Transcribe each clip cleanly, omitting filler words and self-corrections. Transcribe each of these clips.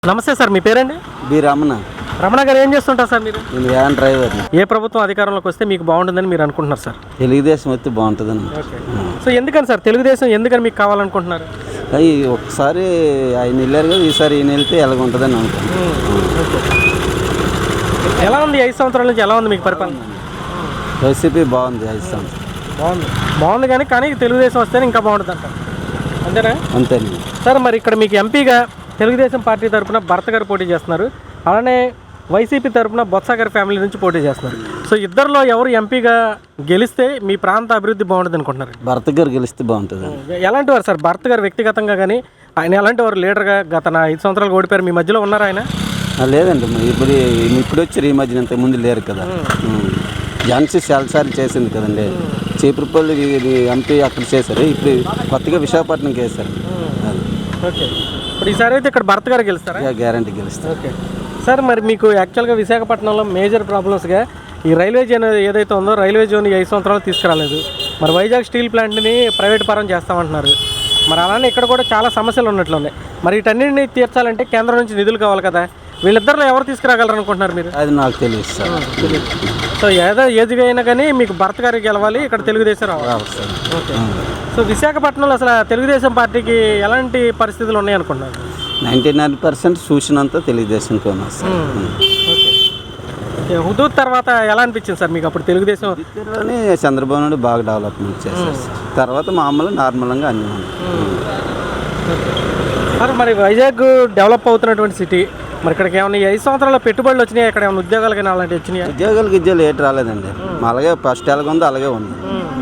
నమస్తే సార్, మీ పేరండి? బి రమణ. రమణ గారు ఏం చేస్తుంటారు సార్ మీరు? నేను వ్యాన్ డ్రైవర్. ఏ ప్రభుత్వం అధికారంలోకి వస్తే మీకు బాగుంటుందని మీరు అనుకుంటున్నారు సార్? తెలుగుదేశం వస్తే బాగుంటుందని. సో ఎందుకని సార్ తెలుగుదేశం ఎందుకని మీకు కావాలనుకుంటున్నారు? అవి ఒకసారి ఆయన వెళ్ళారు కదా, ఈసారి ఈయన వెళ్తే ఎలాగుంటుందని అనుకుంటున్నాను. ఎలా ఉంది 5 సంవత్సరాల నుంచి ఎలా ఉంది మీకు పరిపాలన? వైసీపీ బాగుంది 5 సంవత్సరాలు. బాగుంది కానీ తెలుగుదేశం వస్తేనే ఇంకా బాగుంటుంది అంటారు, అంతేనా? అంతేనండి సార్. మరి ఇక్కడ మీకు ఎంపీగా తెలుగుదేశం పార్టీ తరఫున భర్త గారు పోటీ చేస్తున్నారు, అలానే వైసీపీ తరఫున బొత్స గారి ఫ్యామిలీ నుంచి పోటీ చేస్తున్నారు. సో ఇద్దరిలో ఎవరు ఎంపీగా గెలిస్తే మీ ప్రాంత అభివృద్ధి బాగుంటుంది అనుకుంటున్నారు? భర్త గారు గెలిస్తే బాగుంటుంది. ఎలాంటి వారు సార్ భర్త గారు వ్యక్తిగతంగా కానీ, ఆయన ఎలాంటి వారు లీడర్గా? గత 5 సంవత్సరాలు ఓడిపోయారు, మీ మధ్యలో ఉన్నారు ఆయన? లేదండి, ఇప్పుడు వచ్చారు, ఈ మధ్యన ఇంతకు ముందు లేరు కదా. ఝాన్సీ చాలాసార్లు చేసింది కదండి. చీపురుపల్లి ఎంపీ అక్కడ చేశారు, ఇప్పుడు కొత్తగా విశాఖపట్నంకి వేశారు. ఓకే, ఇప్పుడు ఈసారి అయితే ఇక్కడ భర్త గారు గెలుస్తారా? గ్యారంటీ గెలుస్తారు. Okay sir. మరి మీకు యాక్చువల్గా విశాఖపట్నంలో మేజర్ ప్రాబ్లమ్స్గా ఈ రైల్వే జోన్ ఏదైతే ఉందో, రైల్వే జోన్ 5 సంవత్సరాలు తీసుకురాలేదు. మరి వైజాగ్ స్టీల్ ప్లాంట్ని ప్రైవేట్ పరం చేస్తామంటున్నారు. మరి అలానే ఇక్కడ కూడా చాలా సమస్యలు ఉన్నట్లు ఉన్నాయి. మరి వీటన్నిటిని తీర్చాలంటే కేంద్రం నుంచి నిధులు కావాలి కదా. వీళ్ళిద్దరిలో ఎవరు తీసుకురాగలరు అనుకుంటున్నారు మీరు? అది నాకు తెలియదు సార్. సో ఏదిగా అయినా కానీ మీకు భర్త గారికి గెలవాలి, ఇక్కడ తెలుగుదేశం రావాలి. ఓకే. సో విశాఖపట్నంలో అసలు తెలుగుదేశం పార్టీకి ఎలాంటి పరిస్థితులు ఉన్నాయి అనుకుంటున్నారు? 99% చూసినంత తెలుగుదేశంకి ఉన్నారు సార్. ఓకే. హుదూద్ తర్వాత ఎలా అనిపించింది సార్ మీకు అప్పుడు తెలుగుదేశం? చంద్రబాబు నాయుడు బాగా డెవలప్మెంట్ చేశారు సార్. తర్వాత మామూలు నార్మల్గా అన్నీ ఉన్నాయి సార్. మరి వైజాగ్ డెవలప్ అవుతున్నటువంటి సిటీ, మరి ఇక్కడికి ఏమైనా 5 సంవత్సరాల పెట్టుబడులు వచ్చినాయి? ఇక్కడ ఏమైనా ఉద్యోగాలు కానీ అలాంటివి వచ్చినాయి? ఉద్యోగాలు ఏటి రాలేదండి. అలాగే ఫస్ట్ ఎలాగ ఉందో అలాగే ఉంది.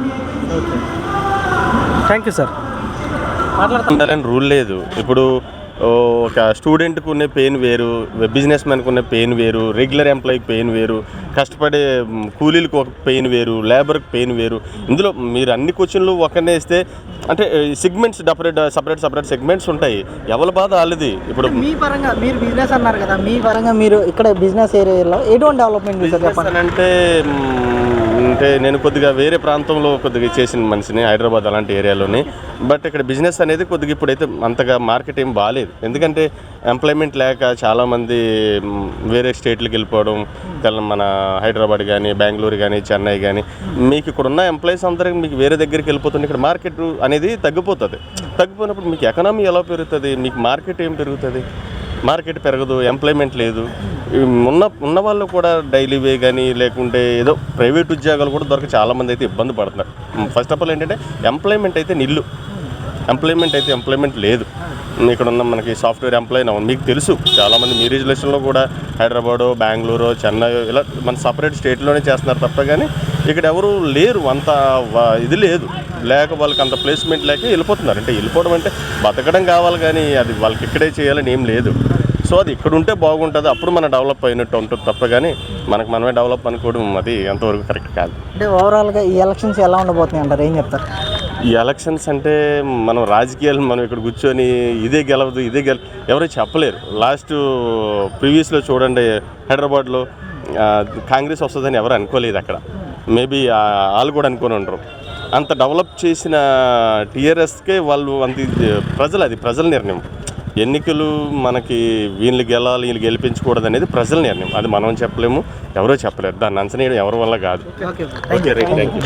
Thank you sir. మాట్లాడుతుండాలని రూల్ లేదు. ఇప్పుడు ఒక స్టూడెంట్కి ఉన్న పెయిన్ వేరు, బిజినెస్ మ్యాన్కి ఉన్న పెయిన్ వేరు, రెగ్యులర్ ఎంప్లాయీకి పెయిన్ వేరు, కష్టపడే కూలీలకు ఒక పెయిన్ వేరు, లేబర్కి పెయిన్ వేరు. ఇందులో మీరు అన్ని క్వశ్చన్లు ఒకనే ఇస్తే అంటే సెగ్మెంట్స్ సపరేట్ సెగ్మెంట్స్ ఉంటాయి. ఎవరి బాధ వాళ్ళది. ఇప్పుడు మీ పరంగా మీరు బిజినెస్ అన్నారు కదా, మీ పరంగా మీరు ఇక్కడ బిజినెస్ ఏరియాలో ఎటువంటి డెవలప్మెంట్ అంటే నేను కొద్దిగా వేరే ప్రాంతంలో కొద్దిగా చేసిన మనిషిని, హైదరాబాద్ అలాంటి ఏరియాలోని. బట్ ఇక్కడ బిజినెస్ అనేది కొద్దిగా ఇప్పుడైతే అంతగా మార్కెట్ ఏం బాగాలేదు. ఎందుకంటే ఎంప్లాయ్మెంట్ లేక చాలామంది వేరే స్టేట్లకు వెళ్ళిపోవడం, మన హైదరాబాద్ కానీ, బెంగళూరు కానీ, చెన్నై కానీ, మీకు ఇక్కడ ఉన్న ఎంప్లాయీస్ అందరికి మీకు వేరే దగ్గరికి వెళ్ళిపోతుంది. ఇక్కడ మార్కెట్ అనేది తగ్గిపోయినప్పుడు మీకు ఎకనామీ ఎలా పెరుగుతుంది? మీకు మార్కెట్ ఏం పెరుగుతుంది? మార్కెట్ పెరగదు, ఎంప్లాయ్మెంట్ లేదు. ఉన్న వాళ్ళు కూడా డైలీ వే కానీ, లేకుంటే ఏదో ప్రైవేట్ ఉద్యోగాలు కూడా దొరక చాలామంది అయితే ఇబ్బంది పడుతున్నారు. ఫస్ట్ ఆఫ్ ఆల్ ఏంటంటే ఎంప్లాయ్మెంట్ అయితే ఎంప్లాయ్మెంట్ లేదు. ఇక్కడ ఉన్న మనకి సాఫ్ట్వేర్ ఎంప్లాయీ మీకు తెలుసు, చాలామంది మీ రిజర్వేషన్లో కూడా హైదరాబాదు, బెంగళూరు, చెన్నై ఇలా మన సపరేట్ స్టేట్లోనే చేస్తున్నారు తప్ప కానీ ఇక్కడ ఎవరు లేరు. అంత ఇది లేక వాళ్ళకి అంత ప్లేస్మెంట్ లేక వెళ్ళిపోతున్నారు. అంటే వెళ్ళిపోవడం అంటే బతకడం కావాలి కానీ అది వాళ్ళకి ఇక్కడే చేయాలని ఏం లేదు. సో అది ఇక్కడ ఉంటే బాగుంటుంది, అప్పుడు మనం డెవలప్ అయినట్టు ఉంటుంది తప్ప కానీ మనమే డెవలప్ అనుకోవడం అది ఎంతవరకు కరెక్ట్ కాదు. అంటే ఓవరాల్గా ఈ ఎలక్షన్స్ ఎలా ఉండబోతున్నాయి అంటారు, ఏం చెప్తారు? ఈ ఎలక్షన్స్ అంటే మనం రాజకీయాలు మనం ఇక్కడ కూర్చొని ఇదే గెలవదు ఎవరు చెప్పలేరు. లాస్ట్ ప్రీవియస్లో చూడండి, హైదరాబాద్లో కాంగ్రెస్ వస్తుందని ఎవరు అనుకోలేదు. అక్కడ మేబీ వాళ్ళు కూడా అనుకొని ఉండరు. అంత డెవలప్ చేసిన టీఆర్ఎస్కే వాళ్ళు ప్రజల నిర్ణయం. ఎన్నికలు మనకి వీళ్ళు గెలాలి, వీళ్ళు గెలిపించకూడదు అనేది ప్రజల నిర్ణయం. అది మనం చెప్పలేము, ఎవరో చెప్పలేరు. దాన్ని అంచనా ఎవరి వల్ల కాదు. Okay, right, thank you.